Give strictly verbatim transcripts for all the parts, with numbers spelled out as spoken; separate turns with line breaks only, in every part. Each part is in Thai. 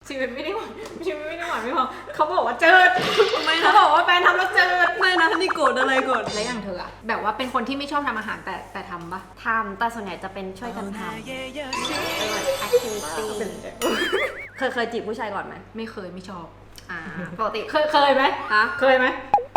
ชีวิตไม่ได้หวานชีวิตไม่ได้หวานไม่พอเขาบอกว่าเจิดไม่เขาบอกว่าแฟนทำแล้วเจิด
ไม่นะนี่โกรธอะไรก่อน
แล้วอย่างเธออะแบบว่าเป็นคนที่ไม่ชอบทำอาหารแต่แต่ทำปะ
ทำแต่ส่วนใหญ่จะเป็นช่วยกันทำเป็นแบบแอคทิวิตี้เคยเคยจีบผู้ชายก่อนไหม
ไม่เคยไม่ชอบ
อ่าปกติ
เคยเคยไหม
ฮะ
เคยไหม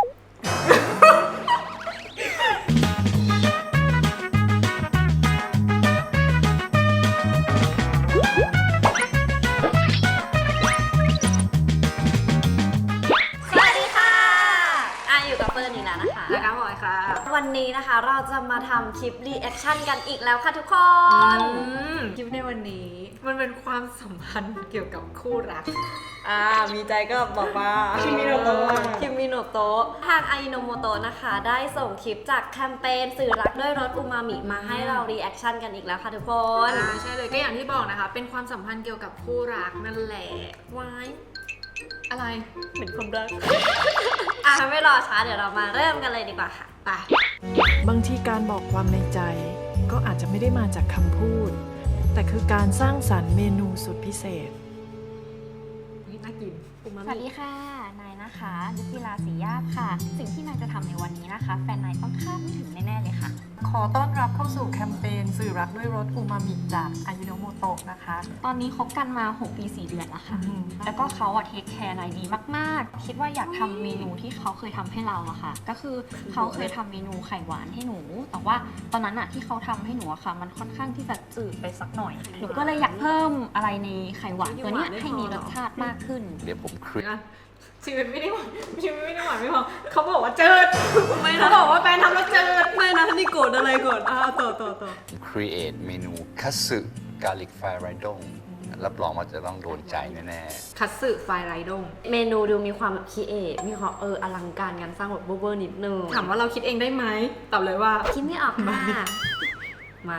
นะคะบอยค่ะวันนี้นะคะเราจะมาทำคลิปรีแอคชั่นกันอีกแล้วค่ะทุกคน
คลิปในวันนี้มันเป็นความสัมพันธ์เกี่ยวกับคู่รัก
อ่ามีใจก็บอกว่า
คิมิโนโตะ
คิมิโนโตะทางอายิโนโมโตะนะคะได้ส่งคลิปจากแคมเปญสื่อรักด้วยรสอูมามิมาให้เรารีแอคชั่นกันอีกแล้วค่ะทุกคน
ใช่เลยก็อย่างที่บอกนะคะเป็นความสัมพันธ์เกี่ยวกับคู่รักนั่นแหละ
วาย
อะไร
เหมือนความรัก
อ่ะไม่รอช้าเดี๋ยวเรามาเริ่มกันเลยดีกว่าค่ะ
ไป
บางทีการบอกความในใจก็อาจจะไม่ได้มาจากคำพูดแต่คือการสร้างสรรค์เมนูสุดพิเศษ
น่ากิน
สวัสดีค่ะนายนะคะยุติลาศรียาบค่ะสิ่งที่นายจะทำในวันนี้นะคะแฟนนายต้องคาดไม่ถึงแน่ๆเลยค่ะ
ขอต้อนรับเข้าสู่แคมเปญสื่อรักด้วยรสอูมามิจากอายิโนโมโตะนะคะ
ตอนนี้คบกันมาหกปีสี่เดือนแล้วค่ะแล้วก็เขาอะเทคแคร์นายดีมากๆคิดว่าอยากทำเมนูที่เขาเคยทำให้เราอะค่ะก็คือเขาเคยทำเมนูไข่หวานให้หนูแต่ว่าตอนนั้นอะที่เขาทำให้หนูอะค่ะมันค่อนข้างที่จะจืดไปสักหน่อยหนูก็เลยอยากเพิ่มอะไรในไข่หวานตัวนี้ให้มีรสชาติมากขึ้น
เดี๋ยวผมครี
ชีวิตไม่ได้หวานชีวิตไม่ได้หวานไม่พอเขาบอกว่าเจิดไม่เขาบอกว่าแฟนทำแล้วเจิด
ไม่นะนี่โกรธอะไรก่อนอ่าต่อต่อต่อ
create เมนูคัตสึกาลิกไฟไรดงรับรองว่าจะต้องโดนใจแน่
ๆคัตสึไฟไรดง
เมนูดูมีความแบบคิดเอทมีความเอออลังการงานสร้างแบบเวอร์นิดนึง
ถามว่าเราคิดเองได้ไหมตอบเลยว่า
คิดไม่ออกค่ะมา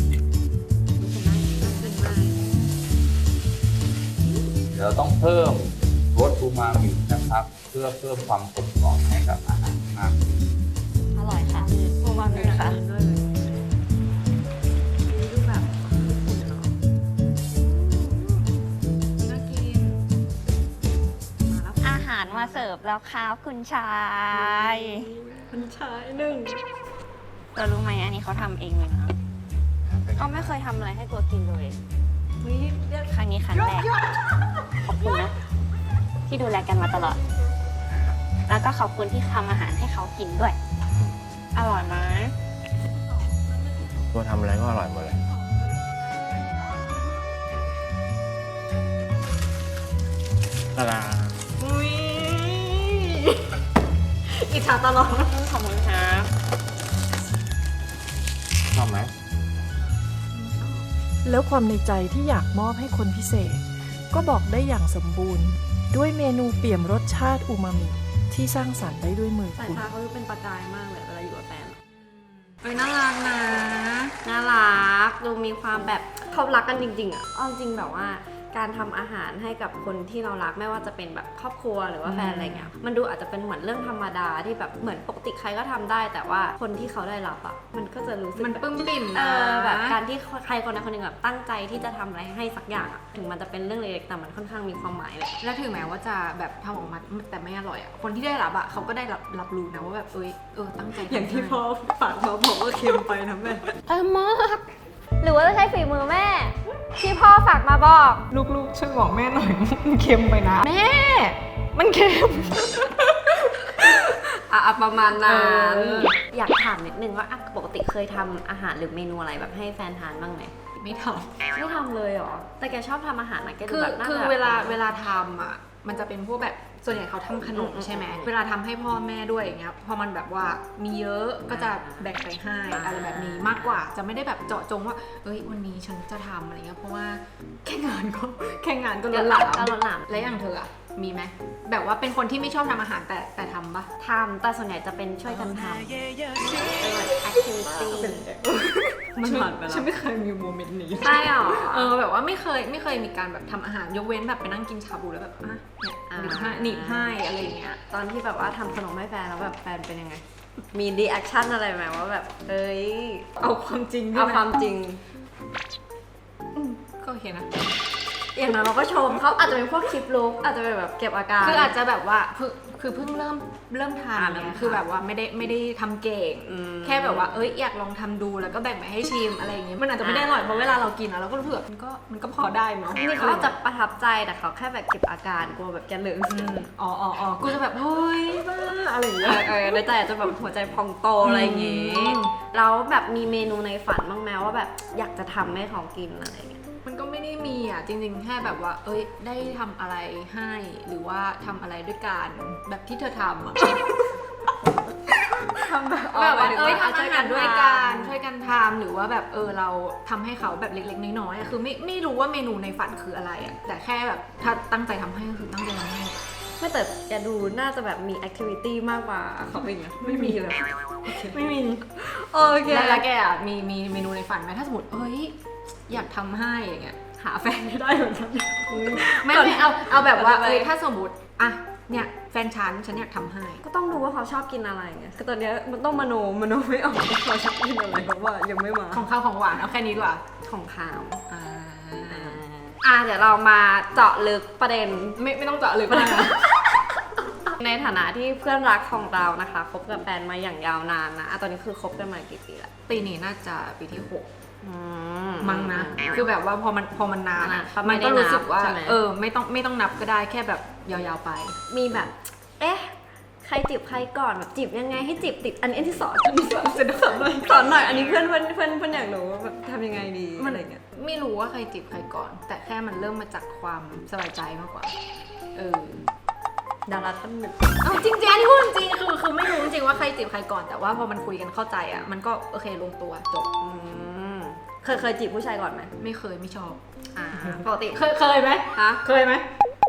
เราต้องเพิ่มรสอูมามินะครับเพื่อเพิ่มความกลมกล่อมให้กับอาหารมากขึ้น
อร่อยค่ะอูมามิค่ะด้วยดูแบบน่ากิน
มาแล้วอาหารมาเสิร์ฟแล้วครับคุณชาย
คุณชายหนึ่ง
เรารู้ไหมอันนี้เขาทำเองเลยนะเขาไม่เคยทำอะไรให้ตัวกินเลยครั้งนี้ครั้งแรกขอบคุณนะที่ดูแลกันมาตลอดแล้วก็ขอบคุณที่ทำอาหารให้เขากินด้วยอร่อยไหม
ตัวทำอะไรก็อร่อยหมดเลยตาดา
อุ้ยอิจฉาตลอด
ขอบคุณครับ
ชอบไหม
แล้วความในใจที่อยากมอบให้คนพิเศษก็บอกได้อย่างสมบูรณ์ด้วยเมนูเปี่ยมรสชาติอูมามิที่สร้างสรรค์ได้ด้วยมือ
สาย
คุณ
ตาเขาเป็นประกายมากเลยเวลาอยู่กับแฟน
เอ้ยน่ารักนะ
น่ารักดูมีความแบบเขารักกันจริงๆอ่ะเอาจริงแบบว่าการทำอาหารให้กับคนที่เรารักไม่ว่าจะเป็นแบบครอบครัวหรือว่าแฟนอะไรเงี้ยมันดูอาจจะเป็นเหมือนเรื่องธรรมดาที่แบบเหมือนปกติใครก็ทำได้แต่ว่าคนที่เขาได้รับอ่ะมันก็จะรู้สึก
มันปึ้มปิ่มนะ
แบบการที่ใครคนใดคนหนึ่งแบบตั้งใจที่จะทำอะไรให้สักอย่างอ่ะถึงมันจะเป็นเรื่องเล็กๆแต่มันค่อนข้างมีความหมายเลย
และถึงแม้ว่าจะแบบทำออกมาแต่ไม่อร่อยอ่ะคนที่ได้รับอ่ะเขาก็ได้รับรับรู้นะว่าแบบเอ้ยเออตั้งใจ
อย่างที่พ่อฝากเขาบอกว่าเค็มไปนะแม่
เออมากหรือว่าจะใช้ฝีมือแม่ที่พ่อฝากมาบอก
ลูกๆช่วยบอกแม่หน่อยมันเค็มไปนะ
แม่มันเค็ม
อ่ะประมาณนั้นอยากถามนิดนึงว่าปกติเคยทำอาหารหรือเมนูอะไรแบบให้แฟนทานบ้างไหม
ไม่ทำ
ไม่ทำเลยเหรอแต่แกชอบทำอาหารนะแกดูแบบน่า
คือเวลาเวลาทำอ่ะมันจะเป็นพวกแบบส่วนใหญ่เขาทำขนมใช่ไหมเวลาทำให้พ่อแม่ด้วยอย่างเงี้ยพอมันแบบว่ามีเยอะก็จะแบ่งไปให้อะไรแบบนี้มากกว่าจะไม่ได้แบบเจาะจงว่าเอ้ยวันนี้ฉันจะทำอะไรเงี้ยเพราะว่าแค่งานก็แค่งานก็ล้นหลามและอย่างเธออะมีไหมแบบว่าเป็นคนที่ไม่ชอบทำอาหารแต่แต่ทำปะ
ทำแต่ส่วนใหญ่จะเป็นช่วยกันทำเป็นแบบแอคทิวิตี้
มันผ่านไปแล้วฉันไม่เคยมีโมเมนต์นี้
ใช่หรอ
เออแบบว่าไม่เคยไม่เคยมีการแบบทำอาหารยกเว้นแบบไปนั่งกินชาบูแล้วแบบอ่ะเนี่ยหนีบให้อะไรอย่างเงี้ย
ตอนที่แบบว่าทำขนมให้แฟนแล้วแบบแฟนเป็นยังไงมีรีแอคชั่นอะไรไหมว่าแบบเอ้ย
เอาความจริง
เอาความจริง
ก็โอเคนะ
อย่างนั้นเราก็ชมเขาอาจจะเป็นพวกคลิปลุกอาจจะเป็นแบบเก็บอาการ
คืออาจจะแบบว่าคือคือเพิ่งเริ่มเริ่ม
อ่า
ทำ
เริ่ม
เนี่ย
ทำ
คือแบบว่าไม่ได้ไม่ได้ทำเก่ง
อืม
แค่แบบว่าเอ้ยอยากลองทำดูแล้วก็แบ่งไปให้ชิมอะไรอย่างเงี้ยมันอาจจะไม่ได้อร่อยเพราะเวลาเรากินอะเราก็รู้สึกว่ามันก็มันก็พอได้เนาะ
นี่เขาอาจจะประทับใจแต่เขาแค่แบบเก็บอาการกลัวแบบแกลืม
อืมอ๋ออ๋ออ๋อกูจะแบบเฮ้ยบ้าอะไรอย่าง
เอ
เงี้ย
อเออในใจอาจจะแบบหัวใจพองโตอะไรอย่างงี้
อืม
แล้วแบบมีเมนูในฝันบ้างไหมว่าแบบอยากจะทำให้เขากินอะไรอย่างเงี้ย
มันก็ไม่ได้มีอ่ะจริงๆแค่แบบว่า เอ้ยได้ทำอะไรให้หรือว่าทำอะไรด้วยกันแบบที่เธอทำอ่ะ
ทำแบบ
แบบว่าเอ้ย
ช่
ทำอาหารด้วยกันช่วยกันทำหรือว่าแบบเออเราทำให้เขาแบบเล็กๆน้อยๆอะคือไม่ไม่รู้ว่าเมนูในฝันคืออะไรอ่ะแต่แค่แบบถ้าตั้งใจทำให้ก็คือตั้งใจทำให้
ไม่แต่แกดูน่าจะแบบมีแอคทิวิตี้มากกว่าเขาเองนะไม่มีเลย
ไม่มี
โอเค
แล้วแล้วแกอ่ะมีมีเมนูในฝันไหมถ้าสมมติเอ้ยอยากทำให้อย่างเงี้ย
หาแฟนไม่ได้เหมือนกัน
ไม่ไม่เอาเอาแบบว่า
ก่อนจะไป
เอ้ยถ้าสมมติอ่ะเนี่ยแฟนฉันฉันอยากทำให้
ก็ต้องดูว่าเขาชอบกินอะไรไงคือตอนเนี้ยมันต้องมโนมโนไม่ออกว่าเขาชอบกินอะไรเพราะว่ายังไม่มา
ของข้าวของหวานเอาแค่นี้ดีกว่า
ของขาว
อ่า
อ่าเดี๋ยวเรามาเจาะลึกประเด็น
ไม่ไม่ต้องเจาะลึกมากนะ
ในฐานะที่เพื่อนรักของเรานะคะคบกับแฟนมาอย่างยาวนานนะอ่ะตอนนี้คือคบกันมากี่ปีละ
ปีนี้น่าจะปีที่หก
อื
มั้งนะ คือแบบว่าพอมันพอมันนาน
อ่ะ
อะ
เขาไม่
มัน
ได้
ก็รู้สึกว่า
นับใช่ไหม
เออไม่ต้องไม่ต้องนับก็ได้แค่แบบยาวๆไป
มีแบบ เอ๊ะ ใครจีบใครก่อนแบบจีบยังไงให้จีบติดอันนี้อันที่สอนอันที่สอนจะสอนหน่อยสอนหน่อยอันนี้เพื่อนเพื่อนเพื่อนเพื่อนอยากรู้ว่าแบบทำยังไงดี
มั
อะไรเงี้ย
ไม่รู้ว่าใครจีบใครก่อน แต่แค่มันเริ่มมาจากความสบายใจมากกว่า เออ
ดาราท่านหนึ่ง
เอาจริงๆอันนี้พูดจริงคือคือไม่รู้จริงๆว่าใครจีบใครก่อนแต่ว่าพอมันคุยกันเข้าใจอ่ะมันก็โอเคลงตัวจบ
อืมเคยเคยจีบผู้ชายก่อนไหม
ไม่เคยไม่ชอบ
อ่าปกติ
เคยเคยไหม
ฮะ
เคยไหม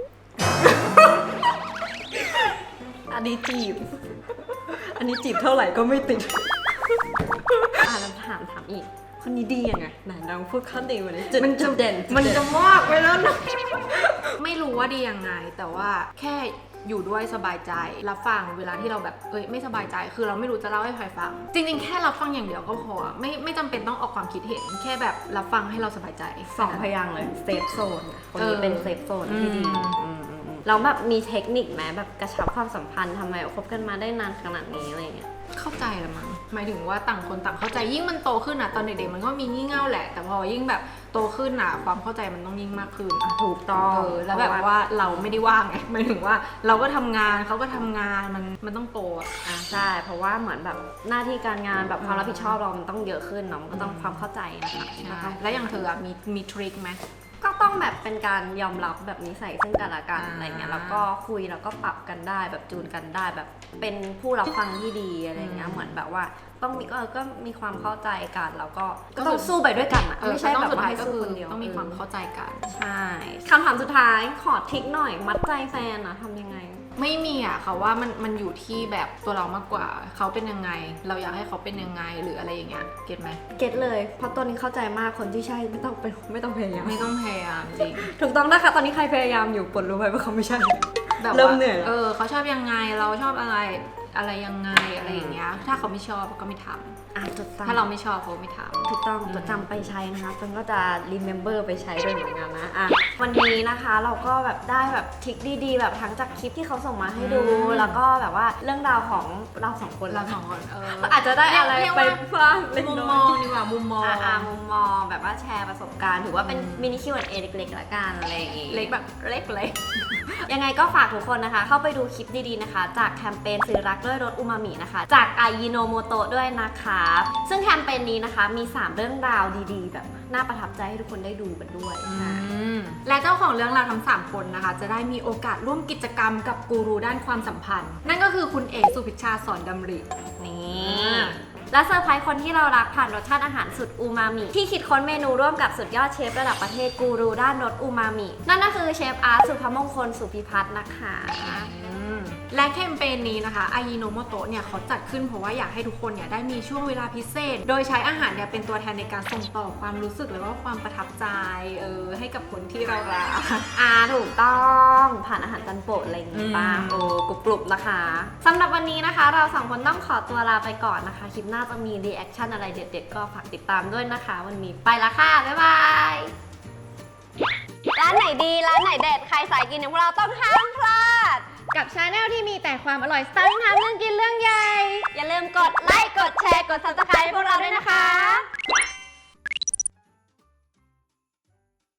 อันนี้จีบ อันนี้จีบเท่าไหร่ก็ไม่ติด อ่าแล้วถามถามอีก คนนี้ดียังไงไหนลองพูดข้อดีมาเลยจุด
มัน
จุ
จะ
ดเด่นจุด
มัน
เด่
จะมากไปแล้วนะ ไม่รู้ว่าดียังไง แต่ว่าแค่อยู่ด้วยสบายใจรับฟังเวลาที่เราแบบเอ้ยไม่สบายใจคือเราไม่รู้จะเล่าให้ใครฟัง จริงๆ แค่รับฟังอย่างเดียวก็พอไม่ไม่จำเป็นต้องออกความคิดเห็น แค่แบบรับฟังให้เราสบายใจ
สองพยางค์เลยเซฟโซนคน
เอ
นี้
อ
เป็นเซฟโซนที่ดี
อืม
อืมอืมอืมแล้วแบบมีเทคนิคไหมแบบกระชับความสัมพันธ์ทำไมคบกันมาได้นานขนาดนี้อะไรเงี้ย
เข้าใจละมั้งหมายถึงว่าต่างคนต่างเข้าใจยิ่งมันโตขึ้นอ่ะตอนเด็กๆมันก็มีงี่เง่าแหละ แต่พอยิ่งแบบโตขึ้นอ่ะความเข้าใจมันต้องยิ่งมากขึ้น
ถูกต้อง
เออแล้วแบบว่าเราไม่ได้ว่างไงหมายถึงว่าเราก็ทำงานเขาก็ทำงานมันมันต้องโตอะ
อ่าใช่เพราะว่าเหมือนแบบหน้าที่การงานแบบความรับผิดชอบเรามันต้องเยอะขึ้นเนาะมันก็ต้องความเข้าใจนะคะก็ต้อง
แล้วอย่างเธออะมีมีทริคไหม
ก็ต้องแบบเป็นการยอมรับแบบนิสัยซึ่งกันและกัน
อ่า
อะไรเงี้ยแล้วก็คุยแล้วก็ปรับกันได้แบบจูนกันได้แบบเป็นผู้รับฟังที่ดีอะไรเงี้ยเหมือนแบบว่าต้องมีก็ก็มีความเข้าใจกันแล้วก็ก็ต้องสู้ไปด้วยกันอะ
เออ
ไม่ใช่
ต้อง
แบบ
สุด
ว่า
ท้าย
ให้
ก็
สู้
คือ
คนเดียว
ต้องมีความเข้าใจกัน
ใช่คำถามสุดท้ายขอทริคหน่อยมัดใจแฟนอะทำยังไง
ไม่มีอ่ะเขาว่ามันมันอยู่ที่แบบตัวเรามากกว่าเขาเป็นยังไง เราอยากให้เขาเป็นยังไงหรืออะไรอย่างเงี้ยเก็ตไหม
เก็ตเลยเพราะตอนนี้เข้าใจมากคนที่ใช่ไม่ต้องเป็นไม่ต้องพยายาม
ไม่ต้องพยายามจริง
ถูกต้องนะคะตอนนี้ใครพยายามอยู่ปลดรู้ไว้ว่าเขาไม่ใช่
แบบ
เริ่
ว่าม
เหนื่อยแล้ว
เออเขาชอบยังไงเราชอบอะไรอะไรยังไงอะไรอย่างเงี้ยถ้าเขาไม่ชอบก็ไม่ทำ
อ่ะถูกต้อง
ถ้าเราไม่ชอบเขาไม่ทำ
ถูกต้องจดจำไปใช้นะคะจนก็จะ remember ไปใช้ด้วยเหมือนกันนะอ่ะวันนี้นะคะเราก็แบบได้แบบทริคดีๆ แบบทั้งจากคลิปที่เขาส่งมาให้ดู
อืม
แล้วก็แบบว่าเรื่องราวของเราสองคน
เราสองคนเออ
อาจจะได้อะไร
เรียก
ไป
ว่า
บ้างเล็ก
มุม
น้
ม
อ
อง
ย
ดีกว่ามุมมอง
อ่ะอ่ะมุมมองแบบว่าแชร์ประสบการณ์ถือว่าเป็น
อืม
มินิ คิว แอนด์ เอ เล็กๆละกันอะไรอย่างงี้
เล็กแบบเล็กเล็ก
ยังไงก็ฝากทุกคนนะคะ เข้าไปดูคลิปดีๆนะคะ จากแคมเปญซื้อรักด้วยรสอูมามินะคะ จากไอยิโนโมโตะด้วยนะคะ ซึ่งแคมเปญนี้นะคะมี สาม เรื่องราวดีๆ แบบน่าประทับใจให้ทุกคนได้ดูกันด้วยค่ะ
และเจ้าของเรื่องราวทั้งสามคนนะคะ จะได้มีโอกาสร่วมกิจกรรมกับกูรูด้านความสัมพันธ์ นั่นก็คือคุณเอกสุพิชชาสอนดำริ
นี่และเซอร์ไพรส์คนที่เรารักผ่านรสชาติอาหารสุดอูมามิที่คิดค้นเมนูร่วมกับสุดยอดเชฟระดับประเทศกูรูด้านรสอูมามินั่นก็คือเชฟอาร์ตสุภมงคลสุพิพัฒน์นะคะ
และแคมเปญนี้นะคะอายิโนโมโตะเนี่ยเขาจัดขึ้นเพราะว่าอยากให้ทุกคนเนี่ยได้มีช่วงเวลาพิเศษ โดยใช้อาหารเนี่ยเป็นตัวแทนในการส่งต่อความรู้สึกแล้วก็ความประทับใจเออให้กับคนที่เรารัก
อ่าถูกต้องผ่านอาหารจานโปรดอะไรอย่างงี้ป่ะ
อืม
โอ้กรุบกรุบนะคะสำหรับวันนี้นะคะ เราสองคนต้องขอตัวลาไปก่อนนะคะคลิปหน้าจะมีรีแอคชั่นอะไรเด็ดๆก็ฝากติดตามด้วยนะคะ วันนี้ไปละค่ะ บ๊ายบายานไหนดีร้านไหนเด็ดใครสายกินอย่างพวกเราต้องห้ามพลาด
กับชาแนลที่มีแต่ความอร่อยสร้างทำเรื่องกินเรื่องใหญ่
อย่าลืมกดไลค์กดแชร์กด ซับสไครบ์ พวกเราด้วยนะคะ